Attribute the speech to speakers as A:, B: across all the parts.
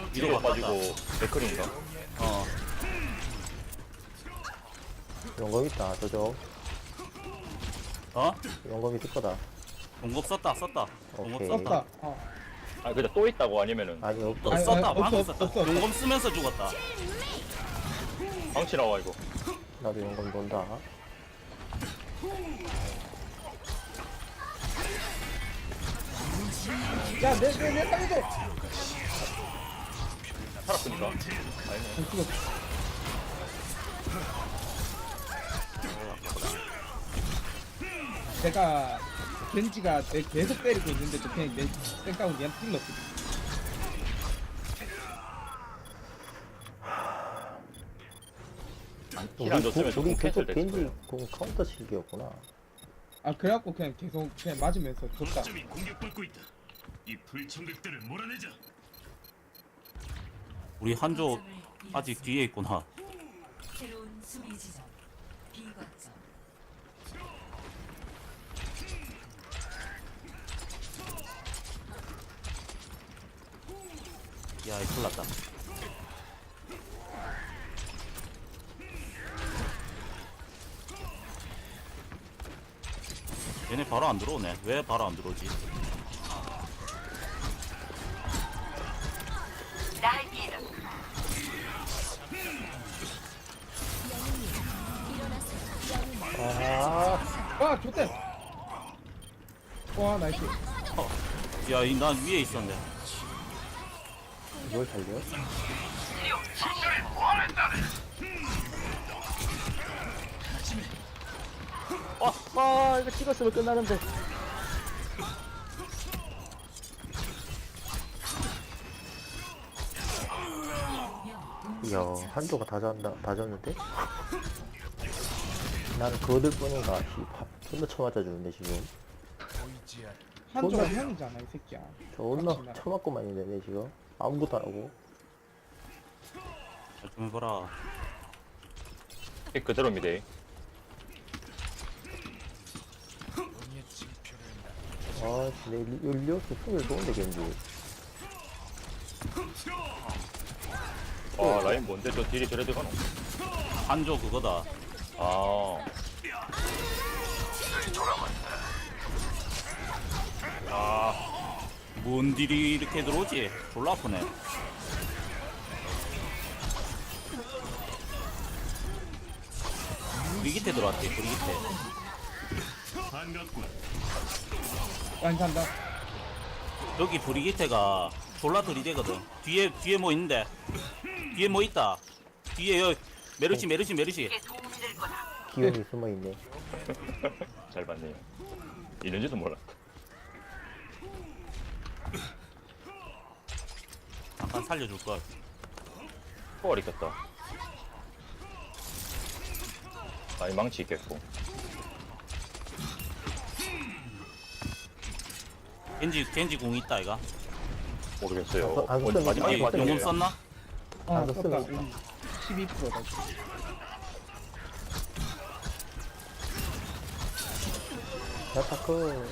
A: 위로 빠지고 맥클인가?
B: 어.
C: 용검 있다, 저쪽.
B: 어?
C: 용검 있을 거다.
B: 공급 썼다. 공급
C: 오케이.
B: 썼다.
D: 썼다. 어.
A: 아 근데 또 있다고 아니면은
C: 아니, 없어.
D: 아니,
B: 썼다.
D: 아니,
B: 방금
D: 없어,
B: 썼다.
D: 없어.
B: 공급 쓰면서 죽었다.
A: 방치 나와 이거.
C: 나도 용검 돈다.
D: 야, 내 살려줘!
A: 살았으니까. 아니네.
D: 안 죽었어. 내가, 겐지가 내 계속 때리고 있는데, 저 그냥 내 생각은 얘한테 찔렀거든.
A: 힐안 줬으면 조금
C: 우리
A: 캔슬
C: 계속
A: 됐을
C: 겐지
A: 거예요.
C: 공 카운터 칠기였구나.
D: 아, 그래갖고 그냥 계속 그냥 맞으면서 줬다.
E: 거점이 공격받고 있다. 이 불청객들을 몰아내자.
B: 우리 한조 아직 뒤에 있구나.
F: 새로운 수비 지점 비거점.
B: 야, 이 큰일 났다. 얘네 바로 안 들어오네. 왜 바로 안 들어오지?
C: 아,
D: 와, 좋대! 와, 나이스.
B: 야, 난 위에 있었네.
C: 이걸 살려? 이거 찍었으면 끝나는데. 이야, 한조가 다 졌는데? 나는 그들 뿐인가, 존나 쳐맞아주는데, 지금.
D: 한조가
C: 존나-
D: 형이잖아, 이 새끼야.
C: 존나
D: 빡치나.
C: 쳐맞고만 있네, 지금. 아무것도 안 하고.
B: 잘 좀 해봐라.
A: 픽 그대로입니다.
C: 아, 내 일리오스 숨을 좋은데, 겐지.
A: 아 라인 뭔데 저 딜이 저래 들어가노?
B: 한조 그거다.
A: 아. 아
B: 뭔 딜이 이렇게 들어오지? 졸라 아프네. 브리기테 들어왔지, 브리기테.
E: 반갑군.
D: 안 산다.
B: 여기 브리기테가 졸라 들이대거든. 뒤에 뭐 있는데? 뒤에 뭐 있다. 뒤에 여기 메르시.
C: 기운이 숨어있네.
A: 잘 봤네요. 이런지도 몰라.
B: 잠깐 살려줄걸.
A: 포괄 있겠다. 아니 망치 있겠고.
B: 겐지 궁 있다, 이가.
A: 모르겠어요.
C: 안
A: 먼저
C: 썼네.
A: 마지막에
C: 아니,
A: 맞은
B: 용금
A: 거예요.
B: 썼나?
D: 어,
C: 안
D: 썼다.
C: 썼으면
D: 우리 12%다.
C: 야타크.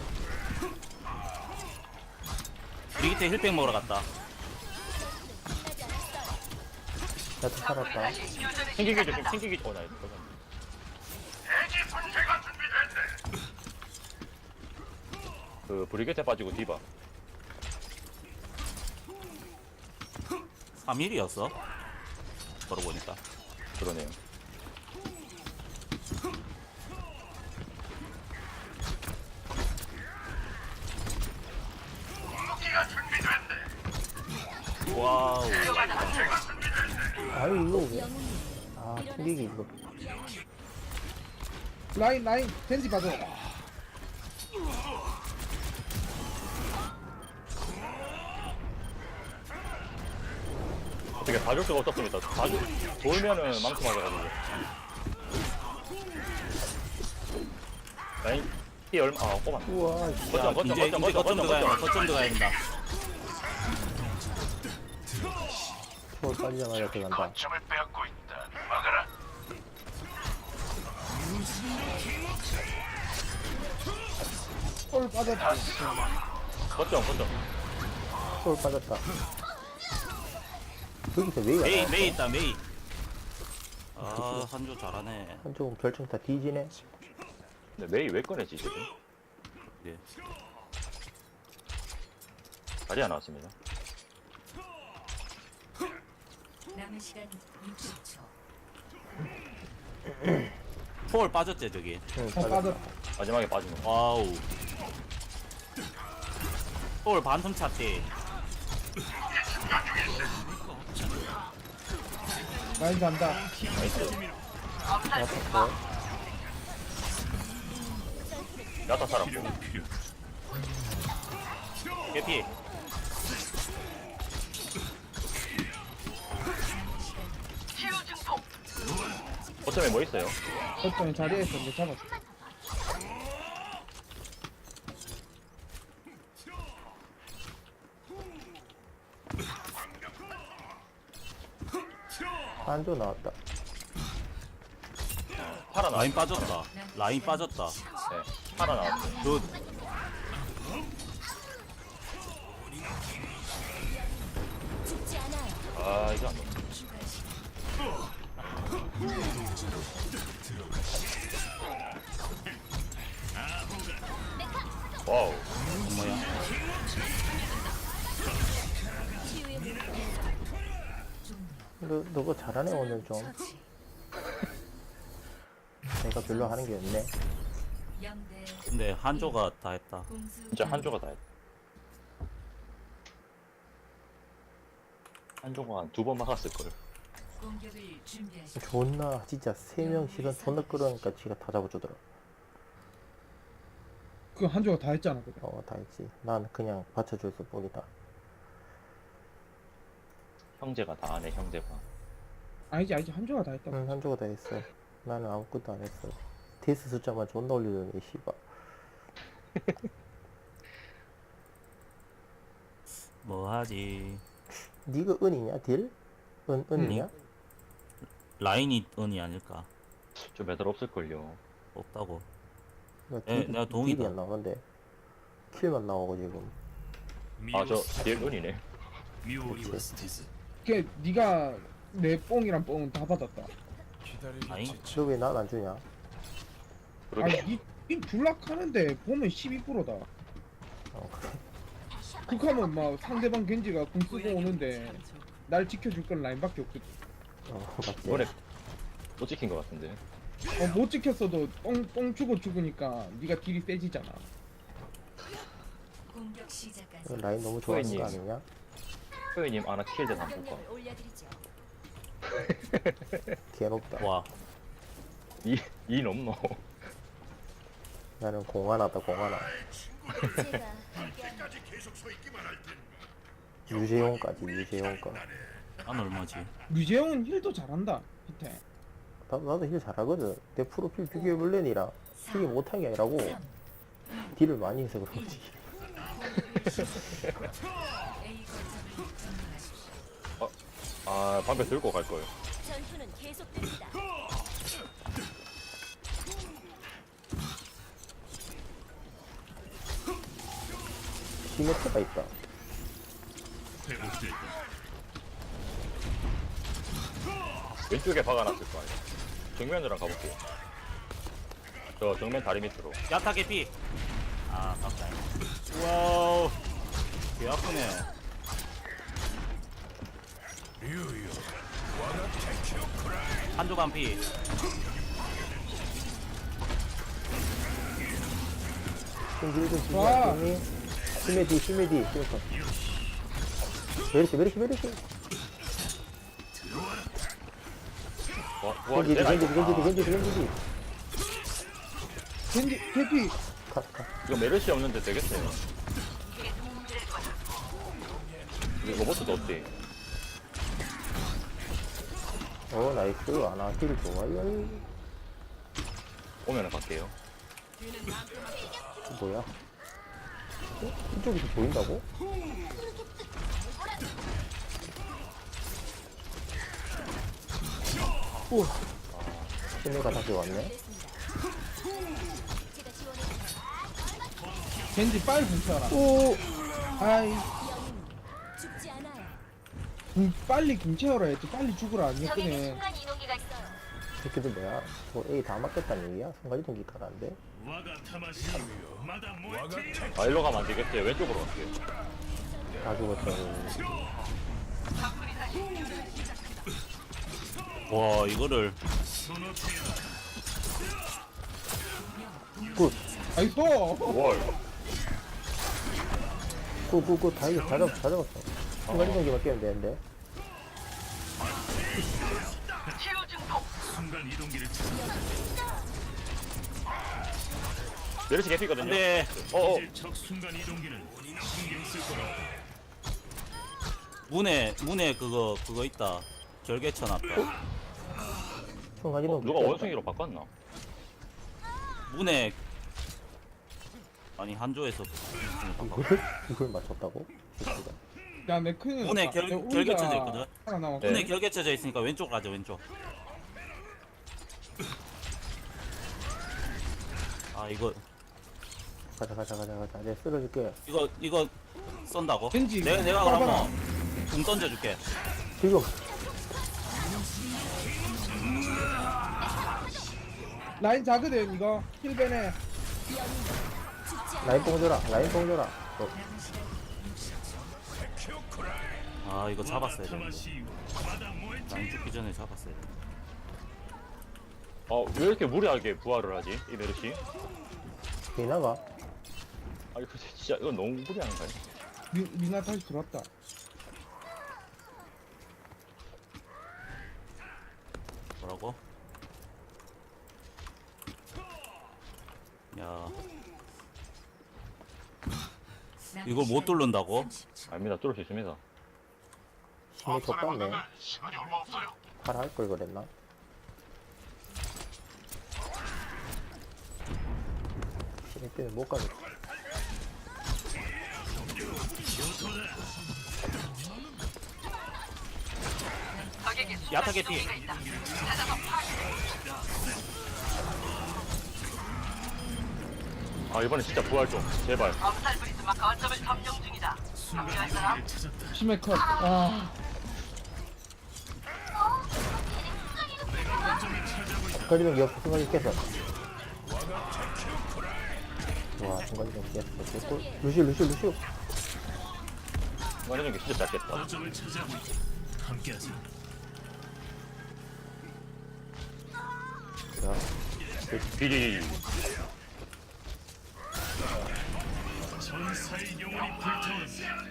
B: 브리기테 힐팩 먹으러 갔다.
C: 야타 살았다.
A: 튕기기 조심. 튕기기. 나 이거. 그 브리게테 빠지고 디바.
B: 3일이었어? 걸어보니까.
A: 그러네요.
B: 와우.
C: 아유, 이거 왜. 아, 튕기기, 이거.
D: 라인, 겐지 봐줘.
A: 어떻게 봐줄 수가 없었습니다. 돌면은 망치 맞아가지고. 라인 피 얼마? 아 꼬만.
C: 우와,
B: 야,
A: 거점
B: 이제 거점 들어가야 된다.
C: 초월 빠지자마자 들어간다.
E: 점을 빼앗고 있다. 막아라.
D: 홀 빠졌다.
A: 거점.
C: 초월 빠졌다. 여기서 메이가
B: 메이
C: 나왔어.
B: 메이 있다 메이. 아 한조 잘하네.
C: 한쪽은 결정 다 뒤지네.
A: 근데 메이 왜 꺼내지 지금?
B: 예.
A: 자리야 나왔습니다.
F: 남은 시간 60초.
B: 폴 빠졌지 저기.
C: 응,
D: 빠졌다.
A: 마지막에 빠지는 거.
B: 와우. 폴 반틈 찼지.
D: 라인 간다.
C: 맞았어.
A: 야타 살았고.
B: 개피.
A: 어쩌면 뭐 있어요?
D: 어떤 자리에 있었는데 잡았어.
C: 한조 나왔다.
A: 파라 나왔.
B: 라인 빠졌다. 라인 빠졌다.
A: 네. 파라 나왔어요.
B: 굿.
A: 아 이거 안 돼. 와우.
B: 뭐야?
C: 너가 잘하네 오늘 좀.
F: 처치.
C: 내가 별로 하는 게 없네.
F: 0대
B: 근데 한조가 다 했다.
F: 공수
A: 진짜 한조가 다 했다. 한조가 한 2번 막았을걸.
F: 공격을 준비하십시오.
C: 존나 진짜 3명 시선 존나 끌어니까 지가 다 잡아주더라.
D: 그 한조가 다 했잖아. 그래.
C: 다 했지. 난 그냥 받쳐줘서 뿐이다.
A: 형제가 다 하네 형제가.
D: 아니지 한조가 다 했다.
C: 응, 한조가 다 했어. 나는 아무것도 안 했어. 데스 숫자만 존나 올리더니 씨발.
B: 뭐 하지?
C: 니가 은이냐 딜? 은이냐?
B: 라인이 은이 아닐까?
A: 좀 매달 없을걸요.
B: 없다고.
C: 나
B: 예, 내가 동의다.
C: 딜이 안 나오는데 킬만 나오고 지금.
A: 아 저 뒤에 눈이네.
E: 미오리와 스티즈
D: 걔 네가 내 뽕이랑 뽕은 다 받았다.
B: 아잉?
C: 너 왜 난 안 주냐?
A: 그러게.
D: 아니 이 불락하는데 보면 12%다.
C: 그래.
D: 극하면 막 상대방 겐지가 궁 쓰고 오는데 날 지켜줄 건 라인밖에 없거든.
C: 맞지.
A: 이번에 못 지킨 것 같은데.
D: 못 지켰어도 뽕 주고 죽으니까 네가 딜이 세지잖아.
F: 공격 시작까지
C: 이거 라인 너무 좋아하는 거
A: 후회님.
C: 아니냐?
A: 소연님 아나 킬드 안 볼까?
C: 괴롭다.
B: 와.
A: 이 넘노.
C: 나는 공 하나다 공 하나. 유재용까지 유재용까.
B: 난 얼마지?
D: 류재용은 힐도 잘한다. 밑에.
C: 나도 힐 잘하거든. 내 프로필 비교해볼래니라 힐이 못한 게 아니라고 딜을 많이 해서 그런지.
F: A 거점을 점령하십시오.
A: 아 방패 들고 갈 거예요.
G: 전투는 계속됩니다.
C: 시메트가 있다.
E: 회복됐다.
A: 왼쪽에 박아놨을 거 아니야. 정면으로 가볼게요. 저 정면 다리 밑으로.
B: 야타 개피. 아, 깜짝. 와우. 개 아프네. 한조 반피.
C: 좀
D: 와.
C: 딜좀 시메디 시메디 메르시 메르시 메르시.
A: 와,
C: 겐지디
A: 내가
C: 겐지디 겐지디 겐지디 겐지디.
D: 겐지 캐피
C: 컷 컷.
A: 이거 메르시 없는데 되겠어요. 이거 로봇도 없대.
C: 나이스. 아나 힐 좋아요.
A: 오면은 갈게요.
C: 뭐야? 이쪽에서 보인다고? 우와. 시내가 다시 왔네.
G: 제가 지원해
D: 겐지 빨리 붙여라.
C: 오.
D: 아이
G: 죽지 않아요.
D: 빨리 궁채워라 했지. 빨리 죽으라 안
G: 적에게
D: 했더니.
G: 순간 이동기가 있어요.
C: 새끼들 뭐야? 뭐 A 다 맞겠다는 얘기야? 순간이동기 가라는데?
E: 와가 타마시 마다 모에테
A: 아 일로 가면 안 되겠지. 왼쪽으로 갈게요.
C: 다 죽었어.
B: 와 이거를
E: 소노테야
C: 굿!
D: 아이고.
A: 와 이거.
C: 굿! 다 이겨. 다 잡았어. 순간이동기만 깨면 되는데.
E: 순간 이동기를 찾아
A: 메르시 개피거든요.
B: 근데
A: 어어.
E: 이제 적 순간 이동기는 신경 쓸 거라.
B: 문에 그거 있다. 결계 쳐놨다.
C: 순간이동기.
A: 누가
C: 깼다.
A: 원숭이로 바꿨나?
B: 문에 아니 한조에서
C: 이걸 맞췄다고? 새끼가.
D: 야, 내 큰일
B: 문에
D: 났다.
B: 결-
D: 내
B: 결계
D: 우리가
B: 쳐져 있거든?
D: 하나 남았고.
A: 네.
B: 문에 결계 쳐져 있으니까 왼쪽 가자 왼쪽. 아 이거
C: 가자. 내가 쓸어줄게.
B: 이거 쏜다고?
D: 겐지,
B: 내가
D: 봐봐라.
B: 그러면 공 던져줄게.
C: 지금
D: 라인 작거든, 이거. 힐벤에.
C: 라인 뽕 줘라.
B: 아 이거 잡았어야 되는데.
E: 타마시 마다 모에테
B: 라인 죽기 전에 잡았어야 돼.
A: 왜 이렇게 무리하게 부활을 하지? 이 메르시?
C: 비나가?
A: 아 이거 진짜 이건 너무 무리한 거 아니야?
D: 미나 다시 들어왔다.
B: 뭐라고? 야 이걸 못 뚫는다고?
A: 아닙니다. 뚫을 수 있습니다.
C: 힘이 좁았네. 팔아 할 걸 그랬나? 힘이 때문에 못 가겠다.
B: 야타 개피.
A: 아 이번에 진짜 부활 좀 제발.
D: 심해 컷. 아,
C: 순간이동기 없어. 순간이 깼어. 와, 순간이동기 깼어. 됐고. 루시오.
A: 이거는 게 진짜 짧겠다.
E: 거점을 차지하고 있다. 함께하자.
C: 자,
A: 비리.
E: 전사의 영혼이 불타오른다.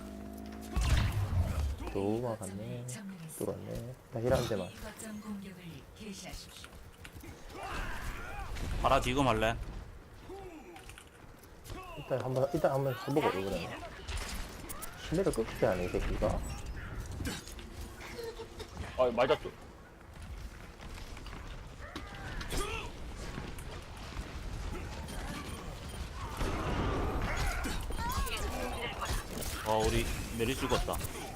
C: 조우마 갔네. 뚫었네. 다시 한 대만.
F: 거점 공격을 개시하십시오.
B: 봐라 지금 할래?
C: 일단 한번 해보고 이거는. 심해를 끊기지 않네, 이 새끼가.
A: 아 맞았죠.
B: 우리 메리 죽었다.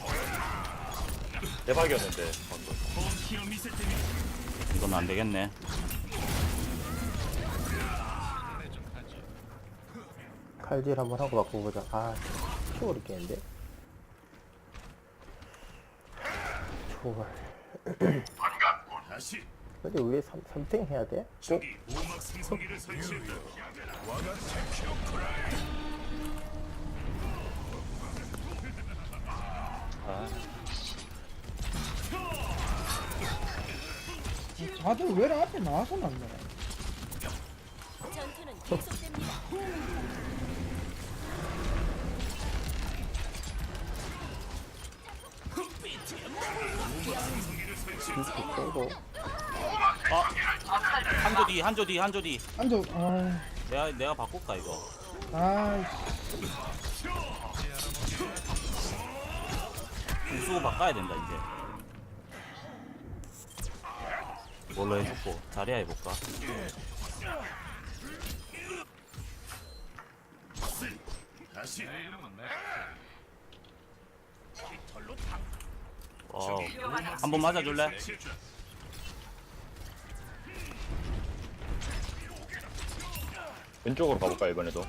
A: 대박이었는데 방금.
E: 홈키어 미세템이
B: 이건 안 되겠네.
C: 칼질 한번 하고 바꿔보자. 아, 초월 있겠는데? 초월.
E: 다시
C: 근데 왜 3탱 해야 돼?
E: 적이 오막 생성기를 설치했다.
D: 다들 왜 앞에 나와서 났네.
G: 전투는 계속됩니다.
C: 비스킷 빼고.
B: 한조 뒤.
D: 앉아.
B: 내가 바꿀까 이거? 우수고 바꿔야 된다 이제. 뭘로 해줬고 자리야 해볼까?
E: 다시
B: 한번 맞아줄래?
A: 왼쪽으로 가볼까 이번에도.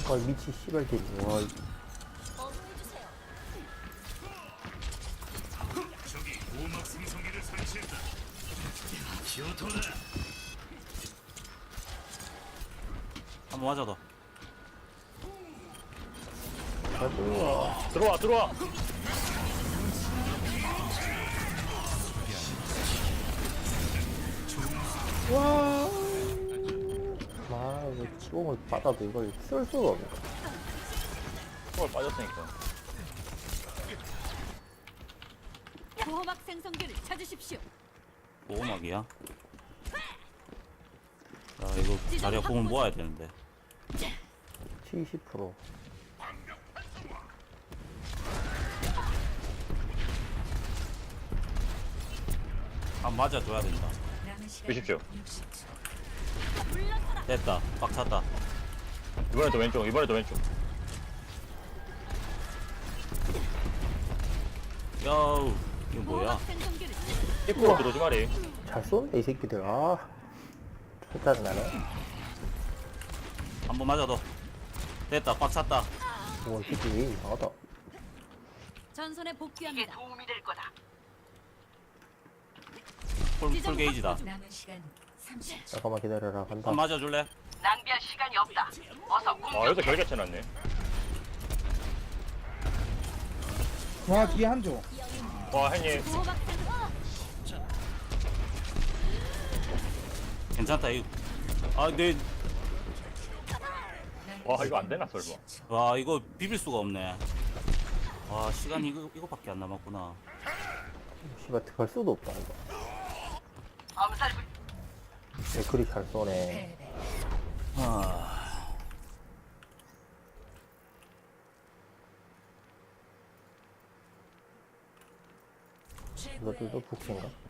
C: 미치 씨발 개. 와,
G: 어머해주세요.
E: 저기 보호막 생성기를 설치했다. 기어토다.
B: 한번 맞아 더.
A: 들어와 들어와.
D: 와.
C: 이거 치공을 받아도 이걸 쓸 수가 없네.
A: 초월 빠졌으니까.
G: 보호막 생성기를 찾으십시오.
B: 보호막이야. 야 이거 자리가 공을 모아야 되는데.
C: 70%.
B: 한 맞아줘야 된다.
F: 남은 시간
A: 보십시오.
F: 60초.
B: 됐다. 빡 찼다.
A: 이번에도 왼쪽. 이번에도 왼쪽.
B: 야우 이거 뭐야?
G: 보호막 생성기를
A: 입구로 들어오지 말이.
C: 잘 쏘네, 이 새끼들. 아, 좋다는 나네.
B: 한번 맞아 더. 됐다. 빡 찼다.
C: 와, 이 새끼 왜 이상하다.
G: 전선에 복귀합니다.
B: 풀 게이지다.
F: 남은 시간 30초.
C: 잠깐만 기다려라. 간다.
B: 한 맞아줄래?
A: 아 여기서 결계 쳐놨네.
D: 와 뒤에 한조.
A: 와 형님.
G: 보호막 생성.
B: 괜찮다. 이거. 아, 내,
A: 와 이거 안 되나 설마.
B: 와, 이거 비빌 수가 없네. 와, 시간이 이거밖에 안 남았구나.
C: 씨발, 갈 수도 없다, 이거. 그리 잘 쏘네.
F: 패배.
B: 아,
C: 이것들도
F: 최고의
C: 북인가?